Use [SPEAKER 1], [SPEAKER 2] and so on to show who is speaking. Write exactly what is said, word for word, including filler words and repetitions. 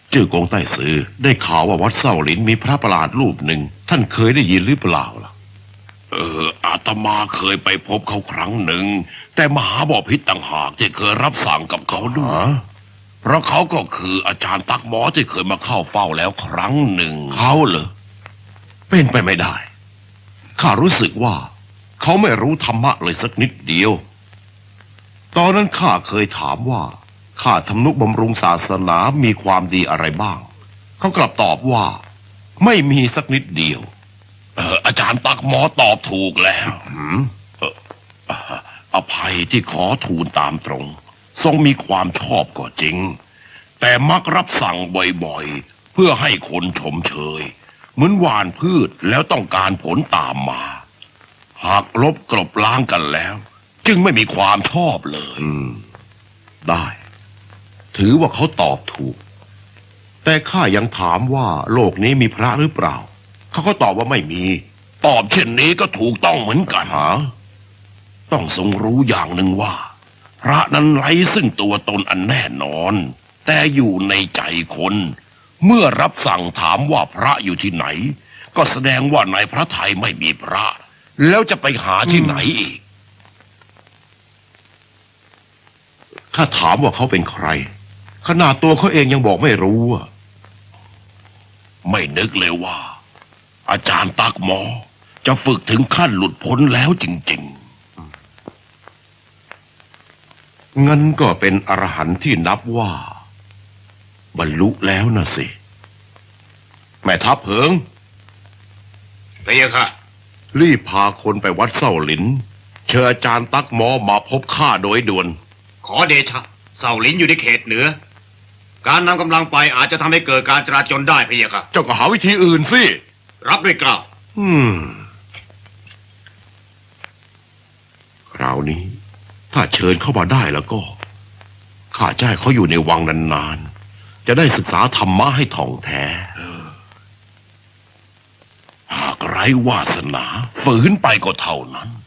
[SPEAKER 1] จื้อกงใต้ซือได้ข่าวว่าวัดเส้าหลินมีพระประหลาดรูปหนึ่งท่านเคยได้ยินหรือเปล่าล่ะเอออาตมาเคยไปพบเขาครั้งหนึ่งแต่มหาบพิตรต่างหากที่เคยรับสั่งกับเขาด้วยเพราะเขาก็คืออาจารย์ตักหมอที่เคยมาเข้าเฝ้าแล้วครั้งหนึ่งเขาเหรอเป็นไปไม่ได้ข้ารู้สึกว่าเขาไม่รู้ธรรมะเลยสักนิดเดียวตอนนั้นข้าเคยถามว่าข้าทำนุบำรุงศาสนามีความดีอะไรบ้างเขากลับตอบว่าไม่มีสักนิดเดียวเอออาจารย์ตักหมอตอบถูกแล้วเอออภัยที่ขอทูลตามตรงทรงมีความชอบก็จริงแต่มักรับสั่งบ่อยๆเพื่อให้คนชมเชยเหมือนหว่านพืชแล้วต้องการผลตามมาหากลบกลบล้างกันแล้วจึงไม่มีความชอบเลยได้ถือว่าเขาตอบถูกแต่ข้ายังถามว่าโลกนี้มีพระหรือเปล่าเขาก็ตอบว่าไม่มีตอบเช่นนี้ก็ถูกต้องเหมือนกันฮะต้องทรงรู้อย่างหนึ่งว่าพระนั้นไร้ซึ่งตัวตนอันแน่นอนแต่อยู่ในใจคนเมื่อรับสั่งถามว่าพระอยู่ที่ไหนก็แสดงว่าในพระทัยไม่มีพระแล้วจะไปหาที่ไหนอีกข้าถามว่าเขาเป็นใครขนาดตัวเขาเองยังบอกไม่รู้อ่ะไม่นึกเลยว่าอาจารย์ตักหมอจะฝึกถึงขั้นหลุดพ้นแล้วจริงๆงั้นก็เป็นอรหันต์ที่นับว่าบรรลุแล้วนะสิแม่ทัพเหิงพะยะค่ะรีบพาคนไปวัดเส้าหลินเชิญอาจารย์ตักหมอมาพบข้าโดยด่วน
[SPEAKER 2] ขอเดชะเส้าหลินอยู่ในเขตเหนือการนำกำลังไปอาจจะทำให้เกิดการจราจรได้พะยะค่ะ
[SPEAKER 1] เจ้าก็หาวิธีอื่นสิ
[SPEAKER 2] รับด้วยเกล้า
[SPEAKER 1] อืมคราวนี้ถ้าเชิญเข้ามาได้แล้วก็ข้าจะให้เขาอยู่ในวังนานๆจะได้ศึกษาธรรมะให้ท่องแท้หากไร้วาสนาฝืนไปก็เท่านั้น